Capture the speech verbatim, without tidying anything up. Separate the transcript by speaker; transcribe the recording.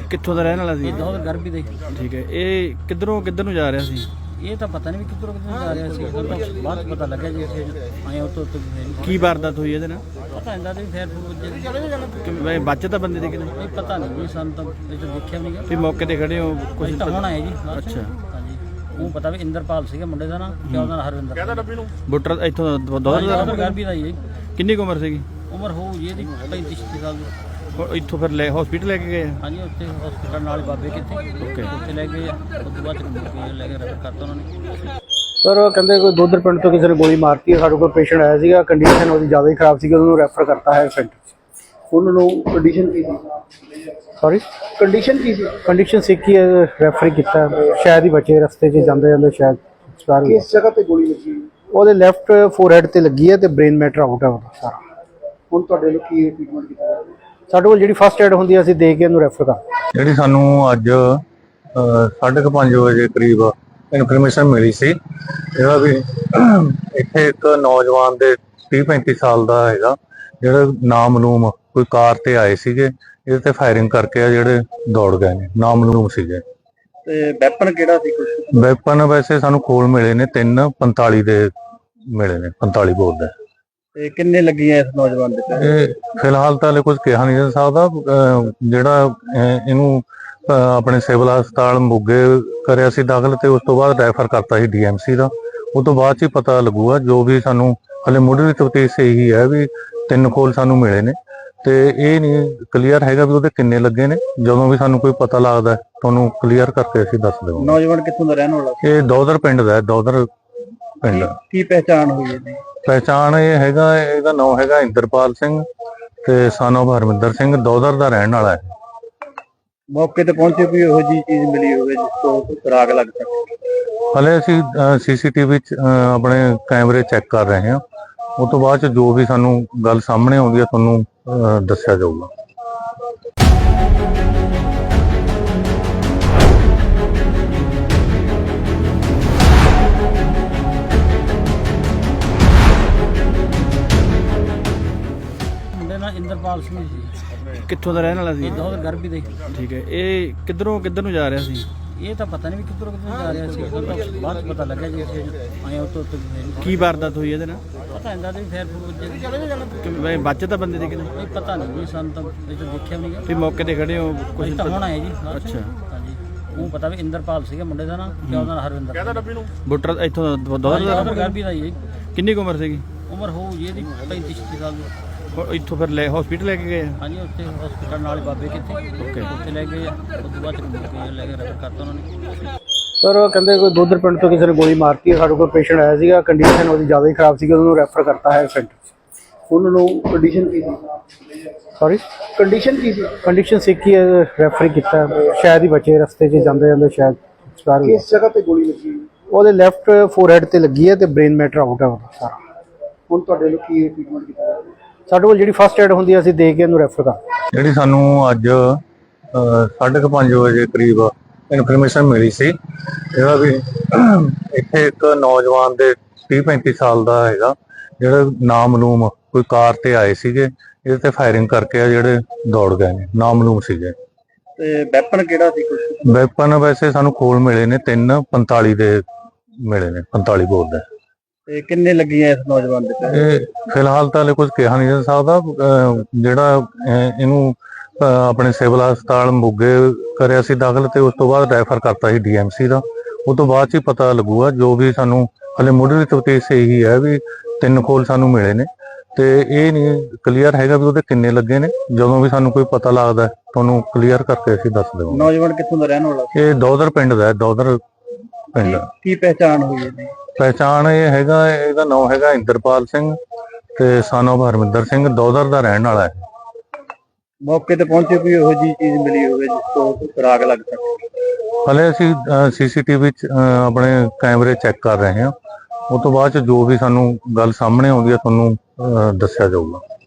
Speaker 1: ਕਿੱਥੋਂ ਦਾ ਰਹਿਣ ਵਾਲਾ ਸੀ?
Speaker 2: ਇਹ ਦੋਦਰ ਗਰਭੀ ਦੇ।
Speaker 1: ਠੀਕ ਹੈ। ਇਹ ਕਿੱਧਰੋਂ ਕਿੱਧਰ ਨੂੰ ਜਾ ਰਿਹਾ ਸੀ?
Speaker 2: ਇਹ ਤਾਂ ਪਤਾ ਨਹੀਂ ਵੀ ਕਿੱਧਰੋਂ ਕਿੱਧਰ ਜਾ ਰਿਹਾ ਸੀ, ਉਹ ਤਾਂ ਬਾਅਦ 'ਚ ਪਤਾ ਲੱਗਿਆ ਜੀ ਇੱਥੇ ਆਏ ਉੱਤੋਂ ਉੱਤੋਂ
Speaker 1: ਕੀ ਵਾਰਦਾਤ ਹੋਈ ਇਹਦੇ ਨਾਲ?
Speaker 2: ਪਤਾ ਹੁੰਦਾ ਵੀ ਫੇਰ ਫੂਰ
Speaker 1: ਕਿ ਬਚਤ ਤਾਂ ਬੰਦੇ ਦੇ ਕਿਤੇ
Speaker 2: ਨਹੀਂ ਪਤਾ ਨਹੀਂ ਜੀ, ਸਾਨੂੰ ਤਾਂ ਇਹ ਤਾਂ ਦੇਖਿਆ ਵੀ ਨਹੀਂ
Speaker 1: ਵੀ ਮੌਕੇ ਤੇ ਖੜੇ ਹੋ
Speaker 2: ਕੁਝ ਤਾਂ ਹੋਣਾ ਹੈ ਜੀ।
Speaker 1: ਅੱਛਾ।
Speaker 2: ਹਾਂਜੀ ਉਹ ਪਤਾ ਵੀ ਇੰਦਰਪਾਲ ਸੀਗਾ ਮੁੰਡੇ ਦਾ ਨਾਂ, ਤੇ ਉਹਦਾ ਨਾਂ ਹਰਵਿੰਦਰ ਕਹਿੰਦਾ ਡੱਬੀ ਨੂੰ
Speaker 1: ਬੁੱਟਰ ਇੱਥੋਂ ਦੋਦਰ ਦਾ
Speaker 2: ਗਰਭੀ ਦਾ ਜੀ।
Speaker 1: ਕਿੰਨੀ ਕੁ ਉਮਰ ਸੀਗੀ?
Speaker 2: ਉਮਰ ਹੋਊ ਜੀ ਇਹਦੀ ਪੈਂਤੀ ਛੱਤੀ ਸਾਲ ਦੀ।
Speaker 1: ਉਹ ਇੱਥੋਂ ਫਿਰ ਲੈ ਹਸਪੀਟਲ ਲੈ ਕੇ ਗਏ?
Speaker 2: ਹਾਂਜੀ ਉੱਥੇ ਹਸਪੀਟਲ ਨਾਲ ਬਾਬੇ ਕਿੱਥੇ ਓਕੇ ਉੱਥੇ ਲੈ ਗਏ, ਉਸ ਤੋਂ ਬਾਅਦ ਚ ਲੈ ਕੇ ਰੈਫਰ ਕਰਤਾ ਉਹਨਾਂ ਨੇ।
Speaker 3: ਸਰ ਕਹਿੰਦੇ ਕੋਈ ਦੋਦਰ ਪਿੰਡ ਤੋਂ ਕਿਸੇ ਨੇ ਗੋਲੀ ਮਾਰਤੀ ਹੈ। ਸਾਡੇ ਕੋਲ ਪੇਸ਼ੈਂਟ ਆਇਆ ਸੀਗਾ, ਕੰਡੀਸ਼ਨ ਉਹਦੀ ਜ਼ਿਆਦਾ ਹੀ ਖਰਾਬ ਸੀਗੀ, ਉਹਨੂੰ ਰੈਫਰ ਕਰਤਾ ਹੈ ਸੈਂਟਰ।
Speaker 4: ਉਹਨਾਂ ਨੂੰ ਕੰਡੀਸ਼ਨ ਕੀ ਸੀ?
Speaker 3: ਸੌਰੀ
Speaker 4: ਕੰਡੀਸ਼ਨ ਕੀ ਸੀ?
Speaker 3: ਕੰਡੀਸ਼ਨ ਸਿੱਖ ਹੀ ਰੈਫਰ ਕੀਤਾ, ਸ਼ਾਇਦ ਹੀ ਬਚੇ ਰਸਤੇ 'ਚ ਜਾਂਦੇ ਜਾਂਦੇ ਸ਼ਾਇਦ ਐਕਸਪਾਇਰ ਹੋ ਗਏ।
Speaker 4: ਕਿਸ ਜਗ੍ਹਾ ਤੇ ਗੋਲੀ ਲੱਗੀ?
Speaker 3: ਉਹਦੇ ਲੈਫਟ ਫੋਰਹੈਡ ਤੇ ਲੱਗੀ ਹੈ ਤੇ ਬ੍ਰੇਨ ਮੈਟਰ ਆਊਟ ਹੈ ਉਹਦਾ ਸਾਰਾ।
Speaker 4: ਹੁਣ ਤੁਹਾਡੇ ਲੋਕ ਕੀ ਟ੍ਰੀਟਮੈਂਟ ਕੀਤਾ?
Speaker 3: ਸਾਡੇ ਕੋਲ ਜਿਹੜੀ ਫਸਟ ਏਡ ਹੁੰਦੀ ਹੈ ਅਸੀਂ ਦੇ ਕੇ ਇਹਨੂੰ ਰੈਫਰ ਕਰ।
Speaker 5: ਜਿਹੜੀ ਸਾਨੂੰ ਅੱਜ ਸਾਢੇ ਕੁ ਪੰਜ ਵਜੇ ਕਰੀਬ ਇਨਫੋਰਮੇਸ਼ਨ ਮਿਲੀ ਸੀ ਜਿਹੜਾ ਵੀ ਇੱਥੇ ਇੱਕ ਨੌਜਵਾਨ ਦੇ ਤੀਹ ਪੈਂਤੀ ਸਾਲ ਦਾ ਹੈਗਾ, ਜਿਹੜਾ ਨਾਮਲੂਮ ਕੋਈ ਕਾਰ ਤੇ ਆਏ ਸੀਗੇ, ਇਹਦੇ ਤੇ ਫਾਇਰਿੰਗ ਕਰਕੇ ਆ ਜਿਹੜੇ ਦੌੜ ਗਏ ਨੇ, ਨਾਮਲੂਮ ਸੀਗੇ।
Speaker 4: ਤੇ ਵੈਪਨ ਕਿਹੜਾ ਸੀ? ਕੁਝ
Speaker 5: ਵੈਪਨ ਵੈਸੇ ਸਾਨੂੰ ਕੋਲ ਮਿਲੇ ਨੇ, ਤਿੰਨ ਪੰਤਾਲੀ ਦੇ ਮਿਲੇ ਨੇ, ਪੰਤਾਲੀ ਬੋਲ ਦੇ।
Speaker 4: ਤੇ ਕਿੰਨੇ ਲੱਗੀਆਂ ਇਸ ਨੌਜਵਾਨ ਦੇ?
Speaker 5: ਇਹ ਫਿਲਹਾਲ ਤਾਂ ਹਲੇ ਕੁਝ ਕਿਹਾ ਨਹੀਂ ਜਾ ਸਕਦਾ। ਜਿਹੜਾ ਇਹਨੂੰ ਆਪਣੇ ਸਿਵਲ ਹਸਪਤਾਲ ਮੋਗੇ ਕਰਿਆ ਸੀ ਦਾਖਲ, ਤੇ ਉਸ ਤੋਂ ਬਾਅਦ ਰੈਫਰ ਕਰਤਾ ਸੀ ਡੀਐਮਸੀ ਦਾ। ਉਹ ਤੋਂ ਬਾਅਦ ਚ ਹੀ ਪਤਾ ਲੱਗੂਗਾ, ਜੋ ਵੀ ਸਾਨੂੰ ਹਲੇ ਮੁੱਢਲੀ ਤਫਤੀਸ਼ ਇਹੀ ਹੈ ਵੀ ਤਿੰਨ ਖੋਲ ਸਾਨੂੰ ਮਿਲੇ ਨੇ, ਤੇ ਇਹ ਨਹੀਂ ਕਲੀਅਰ ਹੈਗਾ ਵੀ ਉਹਦੇ ਕਿੰਨੇ ਲੱਗੇ ਨੇ। ਜਦੋਂ ਵੀ ਸਾਨੂੰ ਕੋਈ ਪਤਾ ਲੱਗਦਾ ਤੁਹਾਨੂੰ ਕਲੀਅਰ ਕਰਕੇ ਅਸੀਂ ਦੱਸ ਦੇਵਾਂਗੇ।
Speaker 4: ਨੌਜਵਾਨ ਕਿੱਥੋਂ ਦਾ ਰਹਿਣ ਵਾਲਾ?
Speaker 5: ਇਹ ਦੋਦਰ ਪਿੰਡ ਦਾ, ਦੋਦਰ ਪਿੰਡ।
Speaker 4: ਕੀ ਪਹਿਚਾਣ ਹੋਈ ਇਹਦੀ?
Speaker 5: ਪਹਿਚਾਣ ਇਹ ਹੈਗਾ, ਇਹਦਾ ਨਾਮ ਹੈਗਾ ਇੰਦਰਪਾਲ ਸਿੰਘ ਤੇ ਸਨ ਆਫ ਹਰਮਿੰਦਰ ਸਿੰਘ, ਦੋਦਰ ਦਾ ਰਹਿਣ ਵਾਲਾ ਹੈ।
Speaker 4: ਮੌਕੇ ਤੇ ਪਹੁੰਚੇ ਵੀ ਇਹੋ ਜਿਹੀ ਚੀਜ਼ ਮਿਲੀ ਹੋਵੇ ਜਿਸ ਤੋਂ ਸੁਰਾਗ ਲੱਗ ਸਕੇ?
Speaker 5: ਹਲੇ ਅਸੀਂ ਸੀਸੀਟੀਵੀ ਚ ਆਪਣੇ ਕੈਮਰੇ ਚੈੱਕ ਕਰ ਰਹੇ ਹਾਂ, ਉਸ ਤੋਂ ਬਾਅਦ ਚ ਜੋ ਵੀ ਸਾਨੂੰ ਗੱਲ ਸਾਹਮਣੇ ਆਉਂਦੀ ਹੈ ਤੁਹਾਨੂੰ ਦੱਸਿਆ ਜਾਊਗਾ।
Speaker 2: ਮੁੰਡੇ ਨਾਲ ਇੰਦਰਪਾਲ ਸਿੰਘ ਸੀ।
Speaker 1: ਕਿੱਥੋਂ ਦਾ ਰਹਿਣ ਵਾਲਾ ਸੀ?
Speaker 2: ਇਹ ਦੋਦਰ ਗਰਭੀ ਦੇ।
Speaker 1: ਠੀਕ ਹੈ। ਇਹ ਕਿੱਧਰੋਂ ਕਿੱਧਰ ਨੂੰ ਜਾ ਰਿਹਾ ਸੀ?
Speaker 2: ਇਹ ਤਾਂ ਪਤਾ ਨਹੀਂ ਵੀ ਕਿੱਧਰੋਂ ਕਿੱਧਰ ਜਾ ਰਿਹਾ ਸੀ, ਉਹ ਤਾਂ ਬਾਅਦ 'ਚ ਪਤਾ ਲੱਗਿਆ ਜੀ ਇੱਥੇ ਆਏ ਉੱਤੋਂ ਉੱਤੋਂ
Speaker 1: ਕੀ ਵਾਰਦਾਤ ਹੋਈ ਇਹਦੇ ਨਾਲ?
Speaker 2: ਪਤਾ ਹੁੰਦਾ ਵੀ ਫੇਰ ਫੂਰ
Speaker 1: ਕਿ ਬਚਤ ਤਾਂ ਬੰਦੇ ਦੇ ਕਿਤੇ
Speaker 2: ਨਹੀਂ ਪਤਾ ਨਹੀਂ ਜੀ, ਸਾਨੂੰ ਤਾਂ ਇਹ ਤਾਂ ਦੇਖਿਆ ਵੀ ਨਹੀਂ
Speaker 1: ਵੀ ਮੌਕੇ ਤੇ ਖੜੇ ਹੋ
Speaker 2: ਕੁਝ ਤਾਂ ਹੋਣਾ ਹੈ ਜੀ।
Speaker 1: ਅੱਛਾ।
Speaker 2: ਹਾਂਜੀ ਉਹ ਪਤਾ ਵੀ ਇੰਦਰਪਾਲ ਸੀਗਾ ਮੁੰਡੇ ਦਾ ਨਾਂ, ਤੇ ਉਹਦਾ ਨਾਂ ਹਰਵਿੰਦਰ ਕਹਿੰਦਾ ਡੱਬੀ ਨੂੰ
Speaker 1: ਬੁੱਟਰ ਇੱਥੋਂ ਦੋਦਰ ਦਾ
Speaker 2: ਗਰਭੀ ਦਾ ਜੀ।
Speaker 1: ਕਿੰਨੀ ਕੁ ਉਮਰ ਸੀਗੀ?
Speaker 2: ਉਮਰ ਹੋਊ ਜੀ ਇਹਦੀ ਪੈਂਤੀ ਛੱਤੀ ਸਾਲ ਦੀ।
Speaker 1: ਉਹ ਇੱਥੋਂ ਫਿਰ ਲੈ ਹਸਪੀਟਲ ਲੈ ਕੇ ਗਏ?
Speaker 2: ਹਾਂਜੀ ਉੱਥੇ ਹਸਪੀਟਲ ਨਾਲ ਬਾਬੇ ਕਿੱਥੇ ਓਕੇ ਉੱਥੇ ਲੈ ਗਏ, ਉਸ ਤੋਂ ਬਾਅਦ ਚ ਲੈ ਕੇ ਰੈਫਰ ਕਰਤਾ ਉਹਨਾਂ ਨੇ।
Speaker 3: ਸਰ ਕਹਿੰਦੇ ਕੋਈ ਦੋਦਰ ਪਿੰਡ ਤੋਂ ਕਿਸੇ ਨੇ ਗੋਲੀ ਮਾਰਤੀ ਹੈ। ਸਾਡੇ ਕੋਲ ਪੇਸ਼ੈਂਟ ਆਇਆ ਸੀਗਾ, ਕੰਡੀਸ਼ਨ ਉਹਦੀ ਜ਼ਿਆਦਾ ਹੀ ਖਰਾਬ ਸੀਗੀ, ਉਹਨੂੰ ਰੈਫਰ ਕਰਤਾ ਹੈ ਸੈਂਟਰ।
Speaker 4: ਉਹਨਾਂ ਨੂੰ ਕੰਡੀਸ਼ਨ ਕੀ ਸੀ?
Speaker 3: ਸੌਰੀ
Speaker 4: ਕੰਡੀਸ਼ਨ ਕੀ ਸੀ?
Speaker 3: ਕੰਡੀਸ਼ਨ ਸਿੱਖ ਹੀ ਰੈਫਰ ਕੀਤਾ, ਸ਼ਾਇਦ ਹੀ ਬਚੇ ਰਸਤੇ 'ਚ ਜਾਂਦੇ ਜਾਂਦੇ ਸ਼ਾਇਦ ਐਕਸਪਾਇਰ ਹੋ ਗਏ।
Speaker 4: ਕਿਸ ਜਗ੍ਹਾ ਤੇ ਗੋਲੀ ਲੱਗੀ?
Speaker 3: ਉਹਦੇ ਲੈਫਟ ਫੋਰਹੈਡ ਤੇ ਲੱਗੀ ਹੈ ਤੇ ਬ੍ਰੇਨ ਮੈਟਰ ਆਊਟ ਹੈ ਉਹਦਾ ਸਾਰਾ।
Speaker 4: ਹੁਣ ਤੁਹਾਡੇ ਲੋਕ ਕੀ ਟ੍ਰੀਟਮੈਂਟ ਕੀਤਾ?
Speaker 3: ਸਾਡੇ ਕੋਲ ਜਿਹੜੀ ਫਸਟ ਏਡ ਹੁੰਦੀ ਹੈ ਅਸੀਂ ਦੇ ਕੇ ਇਹਨੂੰ ਰੈਫਰ ਕਰ।
Speaker 5: ਜਿਹੜੀ ਸਾਨੂੰ ਅੱਜ ਸਾਢੇ ਕੁ ਪੰਜ ਵਜੇ ਕਰੀਬ ਇਨਫੋਰਮੇਸ਼ਨ ਮਿਲੀ ਸੀ ਜਿਹੜਾ ਵੀ ਇੱਥੇ ਇੱਕ ਨੌਜਵਾਨ ਦੇ ਤੀਹ ਪੈਂਤੀ ਸਾਲ ਦਾ ਹੈਗਾ, ਜਿਹੜਾ ਨਾਮਲੂਮ ਕੋਈ ਕਾਰ ਤੇ ਆਏ ਸੀਗੇ, ਇਹਦੇ ਤੇ ਫਾਇਰਿੰਗ ਕਰਕੇ ਆ ਜਿਹੜੇ ਦੌੜ ਗਏ ਨੇ, ਨਾਮਲੂਮ ਸੀਗੇ।
Speaker 4: ਤੇ ਵੈਪਨ ਕਿਹੜਾ ਸੀ? ਕੁਝ
Speaker 5: ਵੈਪਨ ਵੈਸੇ ਸਾਨੂੰ ਕੋਲ ਮਿਲੇ ਨੇ, ਤਿੰਨ ਪੰਤਾਲੀ ਦੇ ਮਿਲੇ ਨੇ, ਪੰਤਾਲੀ ਬੋਲ ਦੇ।
Speaker 4: ਤੇ ਕਿੰਨੇ ਲੱਗੀਆਂ ਇਸ ਨੌਜਵਾਨ ਦੇ?
Speaker 5: ਇਹ ਫਿਲਹਾਲ ਤਾਂ ਹਲੇ ਕੁਝ ਕਿਹਾ ਨਹੀਂ ਜਾ ਸਕਦਾ। ਜਿਹੜਾ ਇਹਨੂੰ ਆਪਣੇ ਸਿਵਲ ਹਸਪਤਾਲ ਮੋਗੇ ਕਰਿਆ ਸੀ ਦਾਖਲ, ਤੇ ਉਸ ਤੋਂ ਬਾਅਦ ਰੈਫਰ ਕਰਤਾ ਸੀ ਡੀਐਮਸੀ ਦਾ। ਉਹ ਤੋਂ ਬਾਅਦ ਚ ਹੀ ਪਤਾ ਲੱਗੂਗਾ, ਜੋ ਵੀ ਸਾਨੂੰ ਹਲੇ ਮੁੱਢਲੀ ਤਫਤੀਸ਼ ਇਹੀ ਹੈ ਵੀ ਤਿੰਨ ਖੋਲ ਸਾਨੂੰ ਮਿਲੇ ਨੇ, ਤੇ ਇਹ ਨਹੀਂ ਕਲੀਅਰ ਹੈਗਾ ਵੀ ਉਹਦੇ ਕਿੰਨੇ ਲੱਗੇ ਨੇ। ਜਦੋਂ ਵੀ ਸਾਨੂੰ ਕੋਈ ਪਤਾ ਲੱਗਦਾ ਤੁਹਾਨੂੰ ਕਲੀਅਰ ਕਰਕੇ ਅਸੀਂ ਦੱਸ ਦੇਵਾਂਗੇ।
Speaker 4: ਨੌਜਵਾਨ ਕਿੱਥੋਂ ਦਾ ਰਹਿਣ ਵਾਲਾ?
Speaker 5: ਇਹ ਦੋਦਰ ਪਿੰਡ ਦਾ, ਦੋਦਰ ਪਿੰਡ।
Speaker 4: ਕੀ ਪਹਿਚਾਣ ਹੋਈ ਇਹਦੀ?
Speaker 5: ਪਹਿਚਾਣ ਇਹ ਹੈਗਾ, ਇਹਦਾ ਨਾਮ ਹੈਗਾ ਇੰਦਰਪਾਲ ਸਿੰਘ ਤੇ ਸਨ ਆਫ ਹਰਮਿੰਦਰ ਸਿੰਘ, ਦੋਦਰ ਦਾ ਰਹਿਣ ਵਾਲਾ ਹੈ।
Speaker 4: ਮੌਕੇ ਤੇ ਪਹੁੰਚੇ ਵੀ ਇਹੋ ਜਿਹੀ ਚੀਜ਼ ਮਿਲੀ ਹੋਵੇ ਜਿਸ ਤੋਂ ਸੁਰਾਗ ਲੱਗ ਸਕੇ?
Speaker 5: ਹਲੇ ਅਸੀਂ ਸੀਸੀਟੀਵੀ ਚ ਆਪਣੇ ਕੈਮਰੇ ਚੈੱਕ ਕਰ ਰਹੇ ਹਾਂ, ਉਸ ਤੋਂ ਬਾਅਦ ਚ ਜੋ ਵੀ ਸਾਨੂੰ ਗੱਲ ਸਾਹਮਣੇ ਆਉਂਦੀ ਹੈ ਤੁਹਾਨੂੰ ਦੱਸਿਆ ਜਾਊਗਾ।